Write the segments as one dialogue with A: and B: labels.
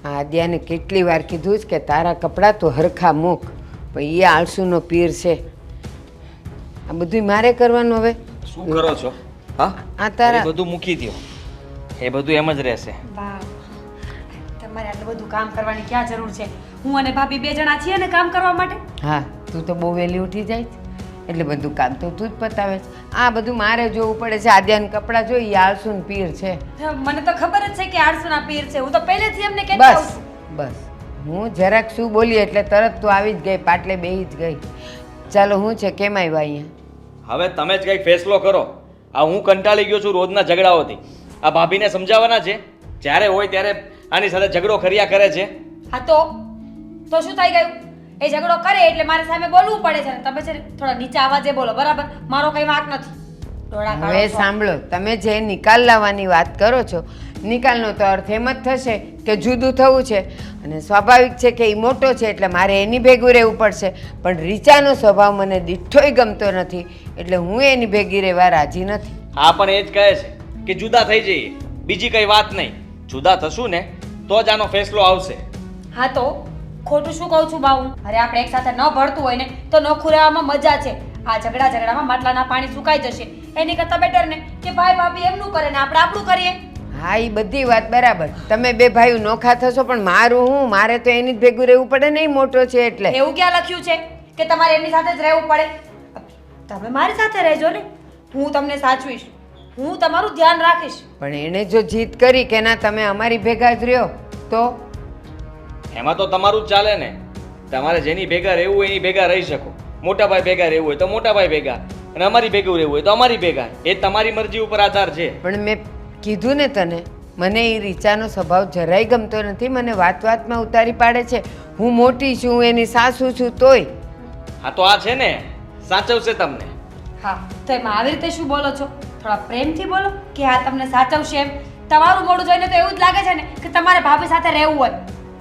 A: આદ્યાને કેટલી વાર કીધું છે કે તારા કપડાં તો હરખા મૂક, પણ એ આળસુનો પીર છે. આ બધું મારે કરવાનું હવે?
B: શું કરો છો? હા,
A: આ તારા
B: એ બધું મૂકી દો. એ બધું એમ જ રહેશે.
C: વાહ, તમારે આટલું બધું કામ કરવાની ક્યાં જરૂર છે? હું અને ભાભી 2 જણા છીએ ને કામ કરવા માટે.
A: હા, તું તો બહુ વહેલી ઉઠી જાય છે એટલે બધું કામ તો તું જ પતાવે છે. આ બધું મારે જોવું પડે છે. આદ્યાને કપડાં જોઈ, એ આળસુન પીર છે.
C: મને તો ખબર જ છે કે આળસુના પીર છે. હું તો પહેલેથી એમને કહેતી આવું
A: બસ
C: છું.
A: બસ, હું જરાક શું બોલી એટલે તરત તું આવી જ ગઈ, પાટલે બેહી જ ગઈ. ચાલો, હું છે કેમ આવ્યા અહીંયા?
B: હવે તમે જ કંઈક ફેસલો કરો. આ હું કંટાળી ગયો છું રોજના ઝઘડાઓથી. આ ભાભીને સમજાવવાના છે, જ્યારે હોય ત્યારે આની સાથે ઝઘડો કર્યા કરે છે.
C: હા તો શું થઈ ગયું? એ ઝઘડો કરે એટલે મારે સામે બોલવું પડે છે ને તમે છે ને થોડા નીચા અવાજે બોલો, બરાબર? મારો કઈ વાંક નથી. ડોળા કાઢો
A: હવે
C: છો.
A: સાંભળો, તમે જે નિકાલ લાવવાની વાત કરો છો, નિકાલનો તો અર્થ એમ જ થશે કે જુદું થવું છે. અને સ્વાભાવિક છે કે એ મોટો છે એટલે મારે એની ભેગું રહેવું પડશે. પણ રીચાનો સ્વભાવ મને દીઠોય ગમતો નથી એટલે હું એની ભેગી રહેવા રાજી નથી.
B: આ પણ એ જ કહે છે કે જુદા થઈ જઈએ, બીજી કઈ વાત નહીં. જુદા થશું ને તો જ આનો ફેસલો આવશે.
C: હા તો ખોટું શું કહું છું બાઉ? અરે આપણે એક સાથે ન ભળતું હોય ને તો નોખું રહેવામાં મજા છે. આ ઝઘડામાં માટલાના પાણી સુકાઈ જશે. એની કરતાં બેટર ને કે ભાઈ ભાભી એમનું કરે ને આપણે આપણું કરીએ.
A: હા, એ બધી વાત બરાબર. તમે 2 ભાઈઓ નોખા થશો પણ મારું હું? મારે તો એની જ ભેગું રહેવું પડે ને, એ મોટો છે એટલે.
C: એવું ક્યાં લખ્યું છે કે તમારે એમની સાથે જ રહેવું પડે? તમે મારી સાથે રહેજો ને, હું તમને સાચવીશ, હું તમારું ધ્યાન રાખીશ.
A: પણ એણે જો જીદ કરી કે ના તમે અમારી ભેગા જ રહ્યો તો
B: એમાં તો તમારું જ ચાલે ને. તમારે જેની ભેગા રહેવું હોય એની ભેગા રહી શકો. મોટા ભાઈ ભેગા રહેવું હોય તો મોટા ભાઈ ભેગા, અને અમારી ભેગું રહેવું હોય તો અમારી ભેગા. એ તમારી મરજી ઉપર આધાર છે.
A: પણ મેં કીધું ને તને, મને એ રીચાનો સ્વભાવ જરાય ગમતો નથી. મને વાત વાતમાં ઉતારી પાડે છે. હું મોટી છું, એની સાસુ છું તોય.
B: હા તો આ છે ને સાચવશે તમને.
C: હા તો એમાં આવી રીતે શું બોલો છો? થોડા પ્રેમથી બોલો કે હા તમને સાચવશે એમ. તમારું મોઢું જોઈને તો એવું જ લાગે છે ને કે તમારે ભાભી સાથે રહેવું હોય.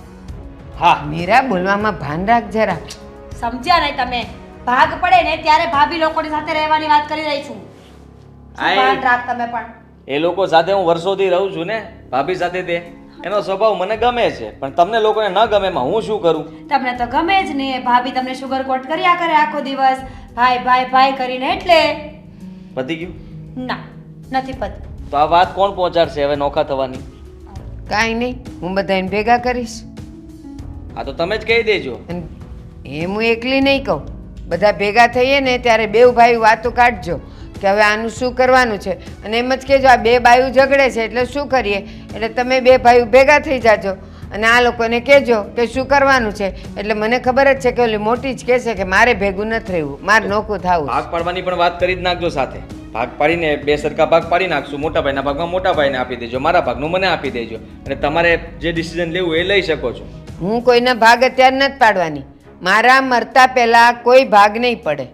B: હા,
A: મીરા, બોલવામાં ભાન રાખ જરા.
C: સમજ્યા નહીં તમે? ભાગ પડે ને ત્યારે ભાભી લોકોની સાથે રહેવાની વાત કરી રહી છું. શું ભાન રાખ તમે પણ.
B: એ લોકો સાથે હું વર્ષોથી રહું છું ને, ભાભી સાથે. તે એનો સ્વભાવ મને ગમે છે, પણ તમને લોકોને ન ગમે એમાં હું શું કરું?
C: તમને તો ગમે જ ને. ભાભી તમને શુગર કોટ કર્યા કરે આખો દિવસ, ભાઈ ભાઈ ભાઈ કરીને. એટલે
B: પતી ગયું?
C: ના, નથી પત.
B: તો આ વાત કોણ પહોંચાડશે હવે નોખા થવાની?
A: કાંઈ નહીં, હું બધાને ભેગા કરીશ.
B: આ તો તમે જ કહી દેજો.
A: અને એમ હું એકલી નહીં કહું, બધા ભેગા થઈએ ને ત્યારે 2 ભાઈ વાતો કાઢજો કે હવે આનું શું કરવાનું છે. અને એમ જ કહેજો આ 2 બાયું ઝઘડે છે એટલે શું કરીએ. એટલે તમે 2 ભાઈઓ ભેગા થઈ જાજો અને આ લોકોને કહેજો કે શું કરવાનું છે. એટલે મને ખબર જ છે કે ઓલી મોટી જ કહેશે કે મારે ભેગું નથી રહેવું, મારે નોખું થવું.
B: ભાગ પાડવાની પણ વાત કરી જ નાખજો સાથે. ભાગ પાડીને 2 સરખા ભાગ પાડી નાખશું. મોટા ભાઈના ભાગમાં મોટા ભાઈને આપી દેજો, મારા ભાગનું મને આપી દેજો. અને તમારે જે ડિસિઝન લેવું એ લઈ શકો છો.
A: હું કોઈના ભાગ અત્યારે નથી પાડવાની. મારા મરતા પહેલા કોઈ ભાગ નહીં પડે.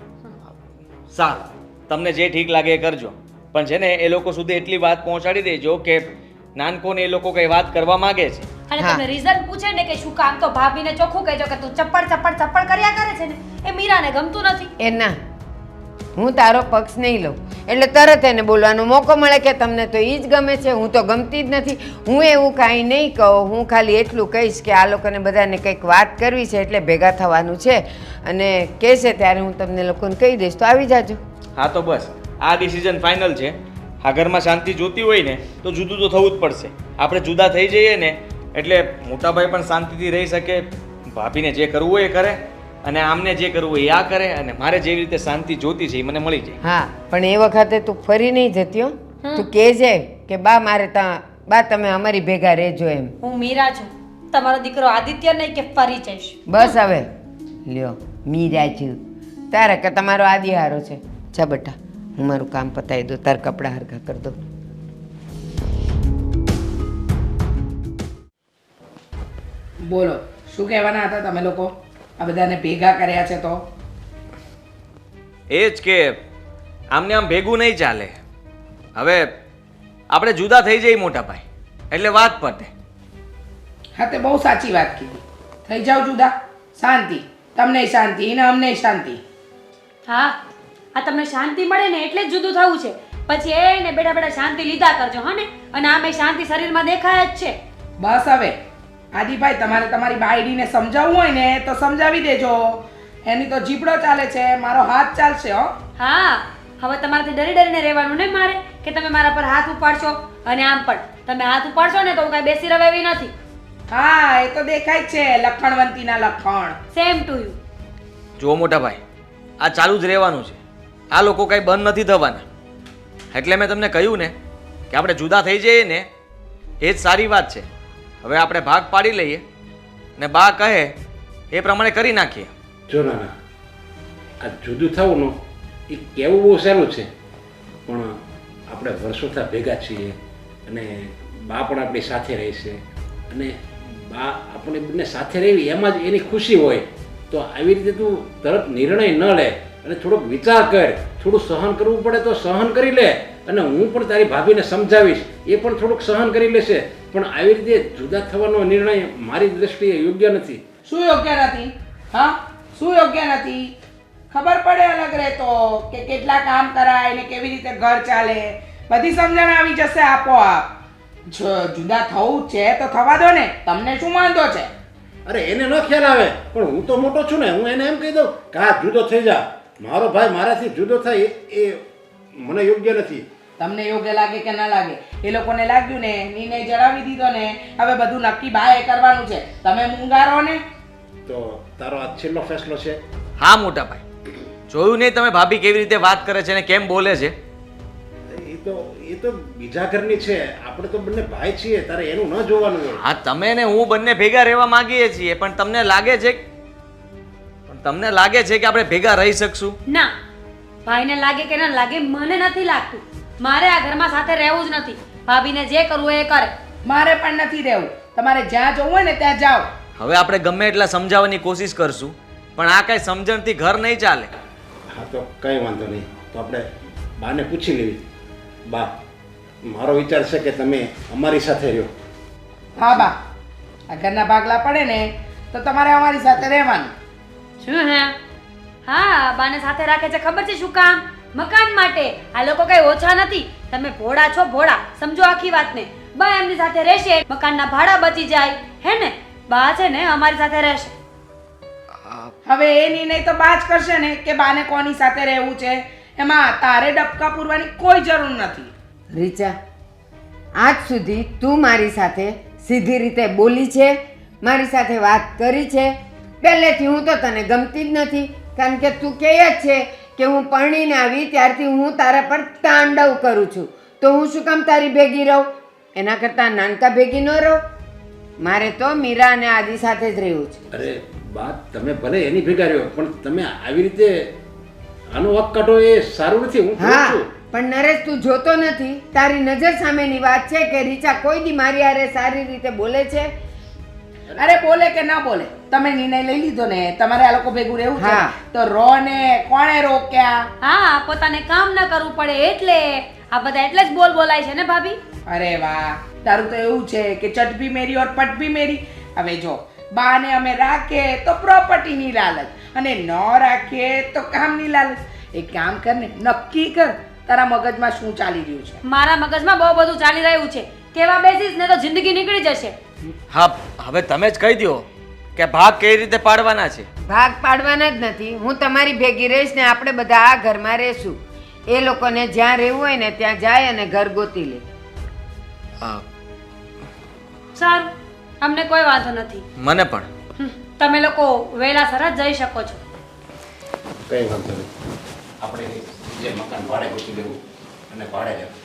B: સારું, તમને જે ઠીક લાગે એ કરજો. પણ છે ને એ લોકો સુધી એટલી વાત પહોંચાડી દેજો કે નાનકોને એ લોકો કઈ વાત કરવા માંગે છે.
C: અને
A: હા.
C: તમને રીઝન પૂછે ને કે શું કામ, તો ભાભીને ચોખ્ખું કહેજો કે તું ચપ્પડ કર્યા કરે છે ને એ મીરાને ગમતું નથી.
A: એ ના, હું તારો પક્ષ નહીં લઉં. એટલે તરત એને બોલવાનો મોકો મળે કે તમને તો એ જ ગમે છે, હું તો ગમતી જ નથી. હું એવું કાંઈ નહીં કહું. હું ખાલી એટલું કહીશ કે આ લોકોને બધાને કંઈક વાત કરવી છે એટલે ભેગા થવાનું છે અને કહેશે ત્યારે હું તમને લોકોને કહી દઈશ તો આવી જાજો.
B: હા તો બસ આ ડિસિઝન ફાઇનલ છે. આ ઘરમાં શાંતિ જોતી હોય ને તો જુદું તો થવું જ પડશે. આપણે જુદા થઈ જઈએ ને એટલે મોટાભાઈ પણ શાંતિથી રહી શકે, ભાભીને જે કરવું હોય એ કરે અને આમને જે કરવું હોય એ આ કરે, અને મારે જેવી રીતે શાંતિ જોતી છે એ મને મળી જાય.
A: હા, પણ એ વખતે તું ફરી નહીં જતી હો. તું કહેજે કે બા મારે બા તમે અમારી ભેગા રહેજો એમ.
C: હું મીરા છું, તમારો દીકરો આદિત્ય નહીં કે ફરી જઈશ.
A: બસ હવે લ્યો, મીરા છું. તારે કે તમારો આદિહારો છે. જા બેટા, હું મારું કામ પતાવી દઉં, તાર કપડાં હરખા કરી દઉં.
D: બોલો, શું કહેવાના હતા તમે લોકો? આ બધાને ભેગા કર્યા છે તો?
B: એ જ કે આમને આમ ભેગું નહીં ચાલે. હવે આપણે જુદા થઈ જઈએ મોટા ભાઈ એટલે વાત પતે.
D: હા, તે બહુ સાચી વાત કીધી. થઈ જાવ જુદા, શાંતિ. તમને શાંતિ ને અમને શાંતિ.
C: હા, આ તમને શાંતિ મળે ને એટલે જ જુદું થવું છે. પછી એને બેઠા બેઠા શાંતિ લીધા કરજો. હા ને? અને આમે શાંતિ શરીરમાં દેખાય જ છે.
D: બસ હવે આદિભાઈ તમારે તમારી બાયડીને સમજાવવું હોય ને તો સમજાવી દેજો. એની તો જીભડો ચાલે છે, મારો હાથ ચાલશે હો.
C: હા, હવે તમારાથી ડરી ડરીને રહેવાનું નહીં મારે કે તમે મારા પર હાથ ઉપાડશો. અને આમ પણ તમે હાથ ઉપાડશો ને તો હું કાંઈ બેસી રહે એવી નથી.
D: હા, એ તો દેખાય જ છે, લખણવંતીના લખણ.
C: Same to you.
B: જુઓ મોટા ભાઈ, આ ચાલુ જ રહેવાનું છે. આ લોકો કાંઈ બંધ નથી થવાના. એટલે મેં તમને કહ્યું ને કે આપણે જુદા થઈ જઈએ ને એ જ સારી વાત છે. હવે આપણે ભાગ પાડી લઈએ ને બા કહે એ પ્રમાણે કરી નાખીએ.
E: જો નાના, આ જુદું થવું એ કહેવું બહુ સહેલું છે, પણ આપણે વર્ષોથી ભેગા છીએ અને બા પણ આપણી સાથે રહેશે અને બા આપણે બંને સાથે રહેવી એમાં જ એની ખુશી હોય. તો આવી રીતે તું તરત નિર્ણય ન લે અને થોડોક વિચાર કર. થોડું સહન કરવું પડે તો સહન કરી લે અને હું પણ તારી ભાભીને સમજાવીશ, એ પણ થોડુંક સહન કરી લેશે. પણ આવી રીતે જુદા થવાનો નિર્ણય મારી દ્રષ્ટિએ યોગ્ય નથી.
D: શું યોગ્ય નથી? હા, શું યોગ્ય નથી? ખબર પડે અલગ રહેતો કે કેટલા કામ કરાય ને કેવી રીતે ઘર ચાલે, બધી સમજણ આવી જશે આપોઆપ. જો જુદા થવું છે તો થવા દો ને, તમને શું વાંધો છે?
E: અરે એને ન ખ્યાલ આવે, પણ હું તો મોટો છું ને, હું એને એમ કહી દઉં કે હા જુદો થઈ જા. મારો ભાઈ મારાથી જુદો થાય એ મને યોગ્ય નથી.
D: તમને યોગ્ય લાગે કે ના લાગે, એ લોકોને લાગ્યું ને, નિર્ણય જણાવી દીધો ને, હવે બધું નક્કી બાએ કરવાનું છે. તમે મૂંગારો ને.
E: તો તારો આ છેલ્લો ફેસલો છે?
B: હા મોટા ભાઈ, જોયું નહીં તમે ભાભી કેવી રીતે વાત કરે છે ને કેમ બોલે છે?
E: એ તો બીજા ઘરની છે, આપણે તો બંને ભાઈ છીએ, તારે એનું ન જોવાનું હોય.
B: હા, તમે ને હું બંને ભેગા રહેવા માંગીએ છીએ, પણ તમને લાગે છે કે આપણે ભેગા રહી શકશું?
C: ના, ભાઈને લાગે કે ના લાગે મને નથી લાગતું. મારે આ ઘરમાં સાથે રહેવું જ નથી. ભાભીને જે કરવું એ કરે.
D: મારે પણ નથી રહેવું. તમારે જ્યાં જવું હોય ને ત્યાં જાઓ.
B: હવે આપણે ગમે એટલા સમજાવવાની કોશિશ કરશું, પણ આ કઈ સમજણથી ઘર નહીં ચાલે.
E: હા, તો કંઈ વાંધો નહીં, તો આપણે બાને પૂછી લેવી. બા, મારો વિચાર છે કે તમે અમારી સાથે રહ્યો.
D: હા બા, આ ઘરના ભાગલા પડે ને તો તમારે અમારી સાથે રહેવાનું.
C: શું હે? હા, બાને સાથે રાખે છે ખબર છે શું કામ? મકાન માટે. આ લોકો કઈ ઓછા નથી. તમે ભોળા છો, ભોળા. સમજો આખી વાતને. બા એમની સાથે રહેશે, મકાનના ભાડા બચી જાય. હે ને? બા છે ને અમારી સાથે રહેશે.
D: હવે એ નિર્ણય તો બા જ કરશે ને કે બાને કોની સાથે રહેવું છે. એમાં તારે ડબકા પૂરવાની કોઈ જરૂર નથી.
A: રીચા, આજ સુધી તું મારી સાથે સીધી રીતે બોલી છે, મારી સાથે વાત કરી છે. પહેલેથી હું તો તને ગમતી જ નથી, કારણ કે તું કહે જ છે કે હું પરણીને આવી ત્યારથી હું તારા પર તાંડવ કરું છું, તો હું શું કામ તારી ભેગી રહું? એના કરતાં નાનકા ભેગી ન રહું. મારે તો મીરા અને આદિ સાથે જ રહેવું છે.
E: અરે બા, તમે ભલે એની ભેગા રહ્યો, પણ તમે આવી રીતે આનો વક કાઢો એ સારું નથી. હું કહું
A: હા,
E: છું.
A: પણ નરેશ તું જોતો નથી. તારી નજર સામેની વાત છે કે રીચા કોઈ દી મારી હારે સારી રીતે બોલે છે.
D: અરે બોલે કે ના બોલે, તમે નિર્ણય લઈ લીધો ને, તમારે આ લોકો ભેગું રહેવું છે
A: હા.
D: તો રો ને. કોણે રોક્યા?
C: હા, પોતાને કામ ન કરવું પડે એટલે. આ બધા એટલે જ બોલ બોલાય છે ને ભાભી?
D: અરે વાહ, તારું તો એવું છે કે ચટ ભી મેરી ઓર પટ ભી મેરી. હવે જો, બાને અમે રાખીએ તો પ્રોપર્ટીની લાલચ અને ન રાખીએ તો કામની લાલચ. એક કામ કર ને, નક્કી કર તારા મગજમાં શું ચાલી રહ્યું છે.
C: મારા મગજમાં બહુ બધું ચાલી રહ્યું છે. કેવા બેસીસ ને તો જિંદગી નીકળી જશે.
B: હા, હવે તમે જ કહી દો કે ભાગ કઈ રીતે પાડવાના છે.
A: ભાગ પાડવાના જ નથી. હું તમારી ભેગી રહીશ ને આપણે બધા આ ઘરમાં રહેશું. એ લોકોને જ્યાં રહેવું હોય ને ત્યાં જાય અને ઘર ગોતી લે.
B: હા,
C: સારું, અમને કોઈ વાંધો નથી.
B: મને પણ.
C: તમે લોકો વહેલા સરસ જઈ શકો છો.
E: કંઈ વાંધો નહીં, આપણે જે મકાન ભાડે ગોતી લેવું અને ભાડે રહેવું.